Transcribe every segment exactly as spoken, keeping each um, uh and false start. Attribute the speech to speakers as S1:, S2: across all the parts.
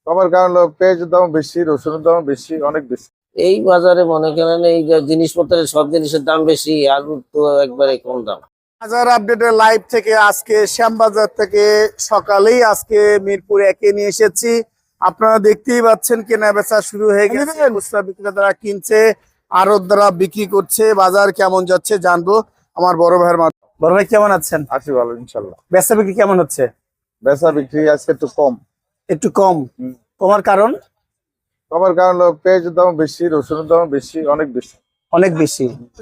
S1: কমার কারণ হলো পেঁয়াজের দাম বেশি, রসুনের দাম বেশি, অনেক বেশি।
S2: এই বাজারে মনে করেন এই যে জিনিসপত্রের সব জিনিসের দাম বেশি, আলুর তো একবারে কম দাম।
S3: বাজার আপডেটের লাইভ থেকে আজকে শ্যামবাজার থেকে সকালেই আজকে মিরপুর একে নিয়ে এসেছি। আপনারা দেখতেই পাচ্ছেন কেনা বেচা শুরু হয়ে গেছে, খুচরা বিক্রেতারা কিনছে, আড়তদাররা বিক্রি করছে। বাজার কেমন যাচ্ছে জানবো আমার বড় ভাইয়ের মাধ্যমে। বড় ভাই কেমন আছেন?
S1: আছি ভালো ইনশাল্লাহ।
S3: বেচা বিক্রি কেমন হচ্ছে?
S1: বেচা বিক্রি আজকে একটু কম।
S3: একটু কম? কমার কারণ?
S1: কমার কারণ হলো পেঁয়াজের দাম বেশি, রসুনের দাম বেশি, অনেক বেশি।
S3: অনেক বেশি।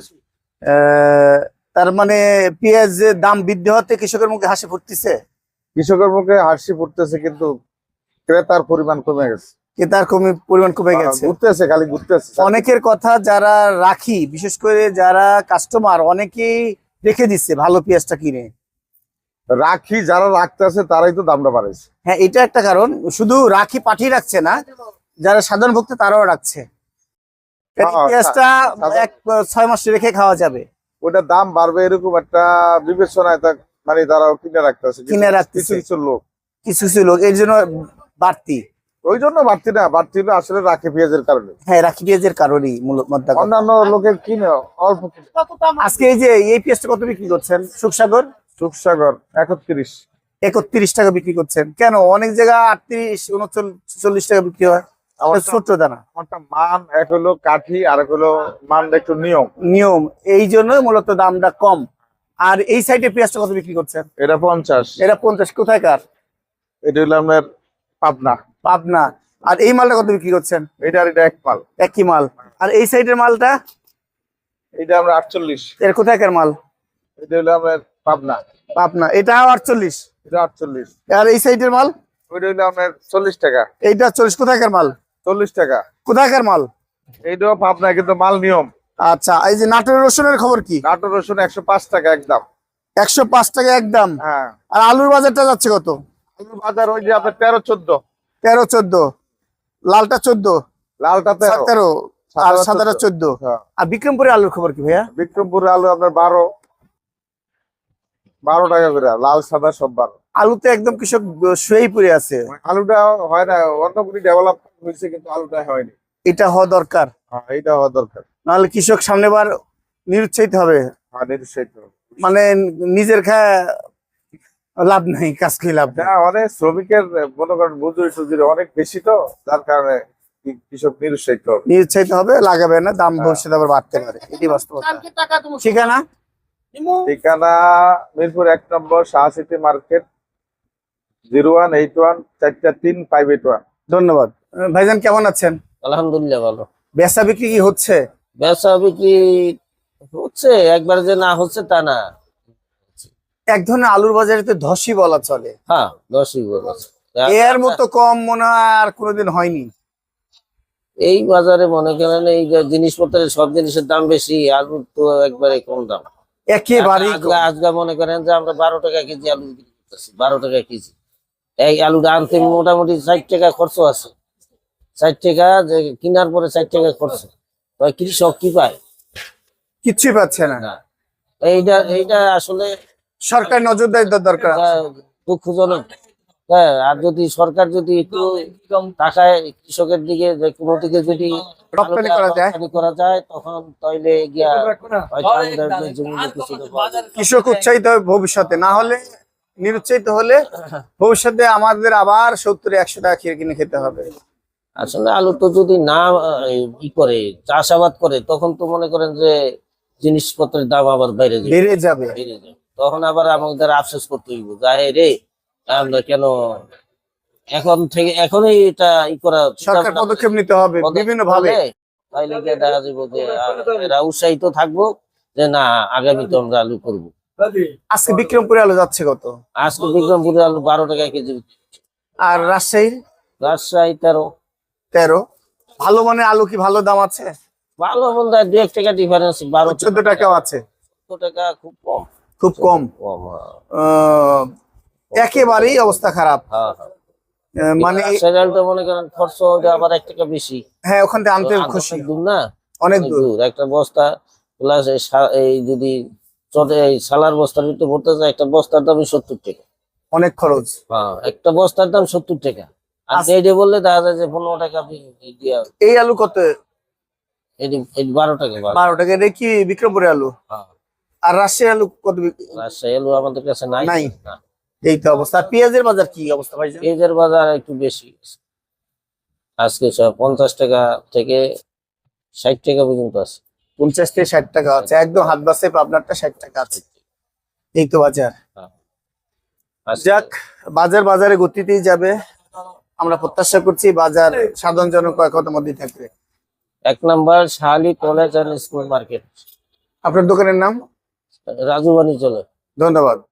S3: আহ তার মানে পেঁয়াজের দাম বৃদ্ধি হতে কৃষকের মুখে হাসি ফুটতেছে।
S1: কৃষকের মুখে হাসি ফুটতেছে, কিন্তু ক্রেতার পরিমাণ কমে গেছে।
S3: ক্রেতার কমে পরিমাণ কমে গেছে,
S1: ঘুরতেছে, খালি ঘুরতেছে।
S3: অনেকের কথা যারা রাখি, বিশেষ করে যারা কাস্টমার, অনেকেই রেখে দিচ্ছে ভালো পেঁয়াজটা কিনে।
S1: রাখি যারা রাখতেছে তারাই তো দামটা বাড়াইছে।
S3: হ্যাঁ, এটা একটা কারণ। শুধু রাখি পাঠিয়ে রাখছে না, যারা সাধারণ ভক্ত তারাও রাখছে। পেঁয়াজটা এক ছয় মাস রেখে খাওয়া যাবে,
S1: ওটার দাম বাড়বে এরকম একটা বিবেচনায় মানে তারাও কিনে রাখতেছে।
S3: কিনে রাখতেছে
S1: কিছু কিছু লোক,
S3: কিছু কিছু লোক এর জন্য বাড়তি।
S1: ওই জন্য বাড়তি না, বাড়তি হলো আসলে রাখি পেঁয়াজের কারণে।
S3: হ্যাঁ, রাখি পেঁয়াজের কারণেই মূলত।
S1: অন্যান্য লোকের কিনে অল্প।
S3: আজকে এই যে এই পেঁয়াজটা কত বিক্রি করছেন? সুখসাগর
S1: সুখসাগর একত্রিশ
S3: একত্রিশ টাকা বিক্রি করছেন কেন? অনেক জায়গা আটত্রিশ উনচল্লিশ টাকা বিক্রি হয়। ছোট্ট দানা।
S1: আমারটা মান এক হলো কাঠি, আর এক হলো মান একটু নিয়ম
S3: নিয়ম এই জন্য মূলত দামটা কম। আর এই সাইডে পেঁয়াজটা কত বিক্রি করছেন?
S1: এটা পঞ্চাশ।
S3: এটা পঞ্চাশ। কোথায়কার?
S1: এটা হলো আপনার পাবনা।
S3: পাবনা। আর এই মালটা কত বিক্রি করছেন?
S1: এটা আর এটা এক মাল,
S3: একই মাল। আর এই সাইডের মালটা?
S1: এটা আমরা আটচল্লিশ।
S3: এর কোথায়কার মাল?
S1: এটা হলো আপনার পাবনা।
S3: পাবনা। এটাও আটচল্লিশ।
S1: এটা আটচল্লিশ।
S3: আর এই সাইডের মাল?
S1: ওইটা হলো আপনার চল্লিশ টাকা।
S3: এইটা চল্লিশ। কোথায়কার মাল?
S1: চল্লিশ টাকা।
S3: কোথায়কার মাল?
S1: এইটাও পাবনা, কিন্তু মাল নিয়ম।
S3: আচ্ছা, এই যে নাটোরের রসুনের খবর কি?
S1: নাটোর রসুন একশো পাঁচ টাকা একদম।
S3: একশো পাঁচ টাকা একদম।
S1: হ্যাঁ।
S3: আর আলুর বাজারটা যাচ্ছে কত?
S1: আলুর বাজার ওই যে আপনার তেরো চোদ্দ।
S3: তেরো চোদ্দ। লালটা চোদ্দ।
S1: লালটা তেরো।
S3: তেরো আর সাদাটা চোদ্দ। আর বিক্রমপুরে আলুর খবর কি ভাইয়া?
S1: বিক্রমপুরে আলু আপনার বারো বারো টাকা করে, লাল সাদা সব বারো।
S3: আলুতে একদম কৃষক শুয়েই পড়ে আছে।
S1: আলুটা হয় না, অন্য কোনো ডেভেলপ হয়েছে কিন্তু আলুটা হয়নি।
S3: এটা হওয়া দরকার।
S1: হ্যাঁ, এটা হওয়া দরকার।
S3: নাহলে কৃষক সামনেবার নিরুৎসাহিত হবে।
S1: হ্যাঁ, নিরুৎসাহিত হবে।
S3: মানে নিজের খায় লাভ নাই, কাজ কি লাভ নাই।
S1: হ্যাঁ, অনেক শ্রমিকের মনে করেন মজুরি টুজুরি অনেক বেশি, তো যার কারণে কৃষক নিরুৎসাহিত হবে।
S3: নিরুৎসাহিত হবে, লাগাবে না, দাম ভবিষ্যতে আবার বাড়তে পারে। এটি বাস্তবতা। ঠিকানা?
S1: ঠিকানা মিরপুর এক number Shah city market, zero one eight one চারটা তিন ফাইভ এইট ওয়ান।
S3: ধন্যবাদ ভাইজান। কেমন আছেন?
S2: আলহামদুলিল্লাহ ভালো।
S3: বেচা বিক্রি কি হচ্ছে?
S2: বেচা বিক্রি হচ্ছে, একবার যে না হচ্ছে তা না।
S3: এক ধরনের আলুর বাজারে তো ধসই বলা চলে।
S2: হ্যাঁ, দশই বলেছে।
S3: এর মতো কম মনে হয় আর কোনোদিন হয়নি।
S2: এই বাজারে মনে করেন এই যে জিনিসপত্রের সব জিনিসের দাম বেশি, আলুর তো একবারে কম দাম।
S3: একেবারে
S2: আজকে মনে করেন যে আমরা বারো টাকা কেজি আলু বিক্রি করতেছি, বারো টাকা কেজি। এই আলুটা আনতে মোটামুটি ষাট টাকা খরচ আছে। ষাট টাকা যে কেনার পরে ষাট টাকা খরচ, কৃষক কি পায়?
S3: কিচ্ছুই পাচ্ছে না।
S2: এইটা এইটা আসলে
S3: সরকার নজরদারি দরকার।
S2: দুঃখজনক। হ্যাঁ, আর যদি সরকার যদি একটু টাকায় কৃষকের দিকে যে কোনো দিকে যদি
S3: রপ্তানি করা যায়
S2: করা যায় তখন তাইলে গিয়া হয়তো আমাদের জমিতে কিছুটা পাওয়া যাবে।
S3: কৃষক উৎসাহিত হবে ভবিষ্যতে, না হলে নিরুৎসাহিত হলে ভবিষ্যতে আমাদের আবার সত্তর একশো টাকা কিনে কিনে খেতে হবে।
S2: আসলে আলু তো যদি না ই করে চাষাবাদ করে তখন তো মনে করেন যে জিনিসপত্রের দাম আবার বাইরে যাবে,
S3: বেড়ে যাবে।
S2: বেড়ে যাবে। তখন আবার আমাদের আফসোস করতে হইব, যাই রে আমরা কেন এখন থেকে এখনই এটা ই করা,
S3: সরকার পদক্ষেপ নিতে হবে বিভিন্ন ভাবে।
S2: তাইলে গিয়ে দেখা যাবো যে এরা উৎসাহিত থাকবো যে না আগামীতে আমরা আলু করবো।
S3: আজকে বিক্রমপুরে আলু যাচ্ছে কত?
S2: আজকে বিক্রমপুরে আলু বারো টাকা কেজি।
S3: আর রাজশাহীর?
S2: রাজশাহী তেরো।
S3: তেরো। ভালো মানে আলু কি ভালো দাম আছে?
S2: ভালো মন্দ দু এক টাকা ডিফারেন্স। বারো
S3: চোদ্দ টাকাও আছে।
S2: চোদ্দ টাকা খুব কম।
S3: খুব কম। আহ একেবারেই অবস্থা খারাপ।
S2: হ্যাঁ,
S3: মানে
S2: সেটা মনে করেন খরচ আবার এক টাকা বেশি।
S3: হ্যাঁ, ওখান থেকে আনতে খুশি।
S2: দূর না,
S3: অনেক দূর।
S2: একটা বস্তা প্লাস এই যদি এই সালার বস্তার ভিতরে ভরতে যায় একটা বস্তার দাম সত্তর টাকা।
S3: অনেক খরচ।
S2: হ্যাঁ, একটা বস্তার দাম সত্তর টাকা। আর এইটা বললে দেখা যায় যে পনেরো টাকা আপনি দিয়া
S3: এই আলু কত?
S2: এটি এটি বারো টাকা বারো।
S3: বারো টাকা। এটা কি বিক্রমপুরের আলু?
S2: হ্যাঁ।
S3: আর রাজশাহী আলু কত বিক-
S2: রাজশাহী আলু আমাদের কাছে নাই।
S3: নাই।
S2: না।
S3: এই তো অবস্থা। আর পেঁয়াজের বাজার কি অবস্থা ভাই?
S2: পেঁয়াজের বাজার একটু বেশি আজকে সব পঞ্চাশ টাকা থেকে ষাট টাকা পর্যন্ত আছে।
S3: পঞ্চাশ থেকে ষাট টাকা আছে, একদম হাত বাসে আপনারটা ষাট টাকা আছে। এই তো বাজার।
S2: হ্যাঁ। আজকে
S3: যাক, বাজার বাজারে গতিতেই যাবে। আমরা প্রত্যাশা করছি বাজার সাধারণ জনগণ কত মধ্যে থাকবে।
S2: এক number Shahali college and school market,
S3: আপনার দোকানের নাম?
S2: রাজু বাণী চলে।
S3: ধন্যবাদ।